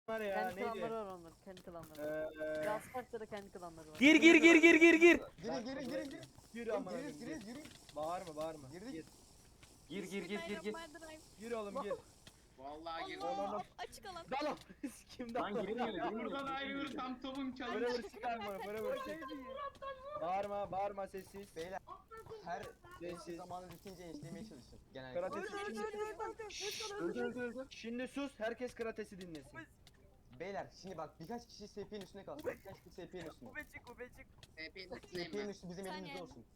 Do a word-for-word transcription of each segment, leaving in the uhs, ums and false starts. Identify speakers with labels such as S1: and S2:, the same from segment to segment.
S1: var ya
S2: Kendi
S1: neydi?
S2: klanları var onların. Kendi klanları.
S1: Eee
S2: Gazpark'ta da kendi klanları var.
S3: Gir gir gir gir gir gir.
S4: Girin girin girin girin.
S1: yürü amına
S4: Giriyoruz
S1: koyayım,
S4: giriyoruz
S1: gir.
S4: yürüyün.
S1: Bağırma bağırma.
S4: Girdik.
S1: Gir.
S3: Gir gir gir gir gir.
S1: Gir oğlum gir.
S5: Vallahi girdim.
S1: Oğlum
S6: Açık alan.
S1: dalım. Kim
S3: Lan
S1: dalım?
S3: girilmiyor girilmiyor.
S5: Buradan ayrılır tam topum
S1: Böyle
S5: çalıyor.
S1: vur çıkar bana böyle vur çık. Bağırma bağırma sessiz.
S4: Beyler her
S1: Sessiz.
S4: zamanı bitince eşlemeye çalışın. Genellikle.
S1: Karatesi
S3: Öldü öldü öldü.
S1: Şimdi sus herkes karatesi dinlesin.
S4: Beyler şimdi bak birkaç kişi S P'nin üstüne kalsın. Birkaç kişi S P'nin üstüne.
S2: Kubecik kubecik.
S5: Hepiniz
S4: S P'nin üstü bizim
S6: Sen
S4: elimizde
S6: yani.
S4: olsun.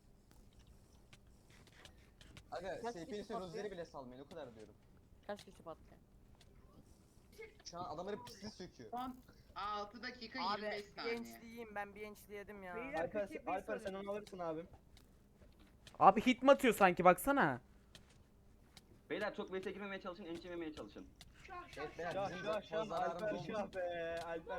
S4: Aga
S2: Kaç
S4: S P'nin
S2: kişi
S4: üstüne
S2: patlıyor?
S4: rozeri bile salmayın o kadar diyorum.
S2: Kaç kişi patlıyor?
S4: Şu an adamları pisli söküyor.
S5: Son altı dakika
S7: Abi
S5: yirmi beş saniye.
S7: gençliğim ben bir gençliği yedim ya.
S1: Alper, Alper sen onu alırsın abim.
S3: Abi hit mi atıyor sanki baksana.
S8: Beyler çok vs girmemeye çalışın, ençememeye çalışın.
S4: Evet beyler
S1: Şah
S4: bizim
S1: şah
S4: fazla
S1: şah Alper
S4: zararımız
S1: şah
S4: olmasın.
S1: be Alper.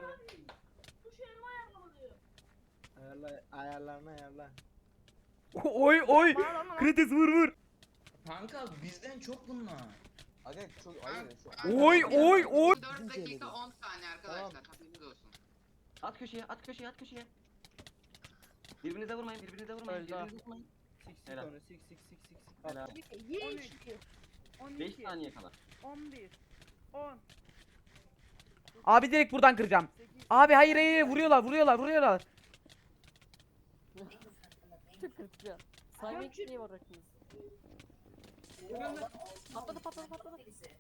S1: Ayarla ayarlarını ayarla.
S3: Oy oy. Kritis vur vur.
S9: Kanka bizden çok bunlar.
S4: Aga çok hayır şu
S3: Oy oy oy.
S5: dört dakika on saniye arkadaşlar. Haberiniz olsun.
S8: At köşeye, at köşeye, at köşeye. Birbirinize vurmayın, birbirinize vurmayın,
S2: Öldü.
S8: birbirinize vurmayın.
S1: Sik sik
S8: Helal.
S1: onu sik sik sik sik sik.
S8: Helal.
S7: on
S8: beş saniye kala.
S7: on bir, on,
S3: Abi direkt buradan kıracağım. Abi hayır hayır hayır, vuruyorlar vuruyorlar vuruyorlar.
S2: Çok kritik ya. Saymak niye var rakımız? Patladı patladı patladı.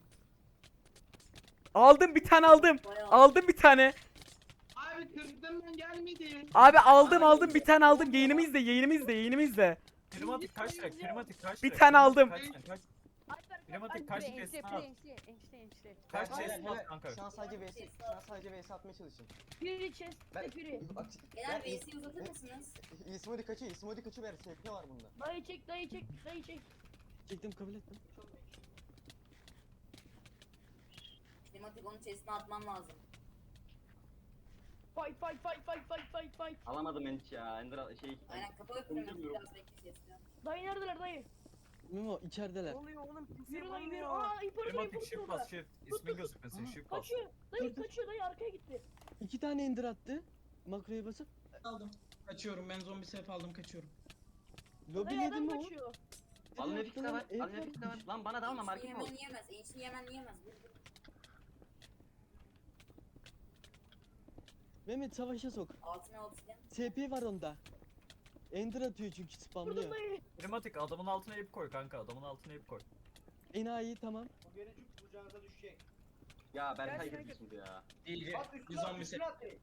S3: Aldım bir tane aldım. Aldım bir tane.
S5: Abi kırdım ben gelmedi.
S3: Abi aldım aldım bir tane aldım. Yayınımı izle yayınımı izle yayınımı izle.
S10: Primatik kaç lira? Primatik kaç
S3: Bir
S10: lira?
S3: tane aldım.
S10: Kaç lira? Kaç? Primatik kaç
S2: Enişte
S10: chest'ini
S2: enişte
S10: at?
S2: enişte enişte enişte.
S10: Kaç
S4: Hayır,
S10: chest'ini
S4: hayır,
S10: at kanka?
S4: Şu an sadece V S, şu an sadece V S atmaya çalışın.
S7: biri chest,
S4: Ben
S7: biri.
S4: bak
S6: Beyler
S4: ben
S6: V'si uzatır mısınız?
S4: İsmodi kaçıyor, İsmodi kaçıyor ver S P var bunda.
S7: Dayı çek, dayı çek, dayı çek.
S4: Çektim kabul ettim.
S6: Klimatik onun chestine atmam lazım.
S7: Fight, fight, fight, fight, fight, fight, fight.
S8: Alamadım enç ya. Ender şey.
S6: Aynen kapalı klimatik biraz bekle chestine.
S7: Dayı neredeler dayı?
S11: Memo içerideler.
S7: Ne oluyor oğlum? Yürü lan yürü. Aa imparator
S10: Primatik
S7: imparator
S10: shift
S7: orada.
S10: bas shift. İsmin gözükmesin shift bas.
S7: Kaçıyor. Dayı kaçıyor dayı arkaya gitti.
S11: İki tane indir attı. Makroya basıp
S9: Aldım. Kaçıyorum ben zombi sef aldım kaçıyorum.
S11: lobi
S7: Dayı
S11: yedi
S7: adam
S11: mi o?
S7: kaçıyor.
S8: Alın
S11: Evet,
S8: nefis de var,
S11: evet,
S8: alın nefis de var. Lan bana dalma market
S6: Yemen
S8: ol.
S6: yiyemez. Enişini yemen yiyemez. Vur, vur.
S11: Mehmet savaşa sok.
S6: Altına obsidian.
S11: S P var onda. Ender atıyor çünkü
S7: Vurdum
S11: spamlıyor.
S7: dayı.
S10: Primatik adamın altına ip koy kanka. Adamın altına ip koy.
S11: Enayi tamam.
S1: Bu gelecek kucağınıza düşecek.
S8: Ya Berkay
S7: Gerçekten
S8: girdi şimdi ya.
S9: İyi.
S1: At
S9: Bir
S1: üstüne at
S9: zombi sef.
S1: üstüne at direkt.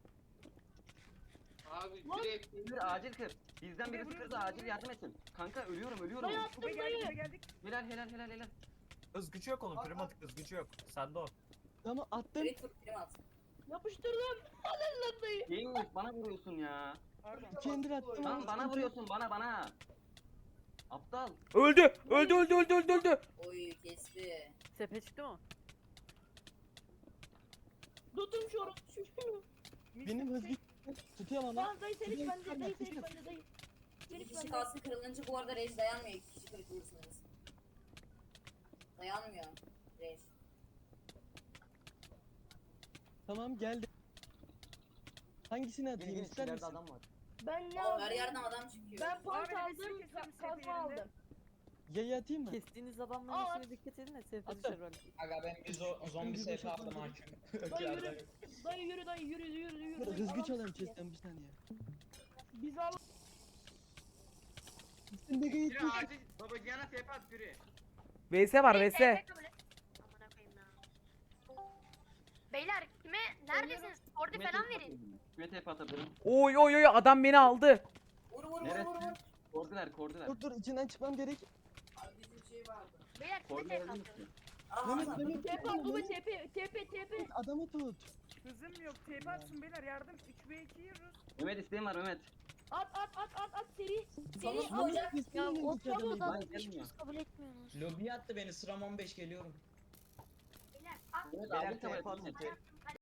S5: Abi
S7: Lan.
S5: direkt
S8: Kır acil kır. Bizden birisi kırdı acil yardım etsin. Kanka ölüyorum ölüyorum.
S7: Dayı attım dayı.
S8: Helal helal helal helal.
S10: Hız gücü yok onun. Primatik hız gücü yok. Sende o.
S11: Tamam attım.
S6: Direkt vur prim at.
S7: Yapıştırdım. Alın lan dayı.
S8: Neymiş bana vuruyorsun ya.
S11: İki ender attım.
S8: Lan bana vuruyorsun bana bana. Aptal.
S3: Öldü öldü öldü öldü öldü öldü.
S6: Oy kesti.
S2: Sepe çıktı mı?
S7: Tutun şu oru. Şu.
S11: Benim hız güç tutuyorum ama.
S7: Lan dayı senin bende dayı senin bende dayı.
S6: Bir
S7: Senin
S6: kişi
S7: bende.
S6: kalsın kırılınca bu arada rage dayanmıyor. İki kişi kırılırsınız. Dayanmıyor. Rage.
S11: Tamam geldi. Hangisini
S4: Gel
S11: atayım
S4: gel
S11: ister
S4: içeride
S11: misin?
S4: adam var.
S7: Ben ne
S6: Oğlum her
S7: aldım?
S6: yerden adam çıkıyor.
S7: Ben pant aldım, ka- kazma aldım.
S11: Yayı atayım mı?
S2: Kestiğiniz adamların
S7: Aa,
S2: işine dikkat edin de sepe
S11: Attım.
S2: düşer böyle.
S9: Aga ben bir zo- zombi
S11: Bir
S9: sef
S11: boşalt,
S9: aldım
S11: bir
S9: hakim.
S7: Dayı yürü. Dayı yürü dayı yürü yürü yürü.
S11: Hız
S7: Adam
S11: güç alayım
S7: sıkıyor.
S11: chest'ten bir saniye.
S7: Biz al.
S11: Üstünde gayet
S5: Biri acil babacığına tep at biri.
S3: V S var V S.
S12: Beyler kime neredesiniz? Orada falan verin.
S8: Kime tep atabilirim?
S3: Oy oy oy adam beni aldı.
S6: Vur vur vur
S8: Neresi?
S6: vur vur.
S8: Kordiler kordiler.
S11: Dur dur içinden çıkmam gerek.
S6: Abi bizim şey vardı.
S12: Beyler kime
S8: Kordiler
S12: tek
S8: öldü
S12: atın?
S8: mü?
S6: Aa
S11: Mehmet
S6: Hasan.
S11: Mehmet
S7: Tepe at baba tepe tepe tepe.
S11: adamı tut.
S7: Hızım yok tepe atsın beyler yardım. üç ve iki yiyoruz.
S8: Mehmet isteğim var Mehmet.
S7: At at at at at seri.
S6: Seni
S11: Tamam,
S6: alacak.
S11: Mehmet,
S2: Ya
S11: kesin
S2: o
S11: önündeki adamı
S2: tavuğu da
S8: Ben
S2: hiç
S8: gelmiyor.
S2: biz kabul etmiyorsunuz.
S9: Lobiye attı beni sıram on beş geliyorum.
S12: Beyler at.
S8: Mehmet
S4: Beyler
S8: acil kabul et
S4: T P atın
S8: Mehmet.
S4: T P.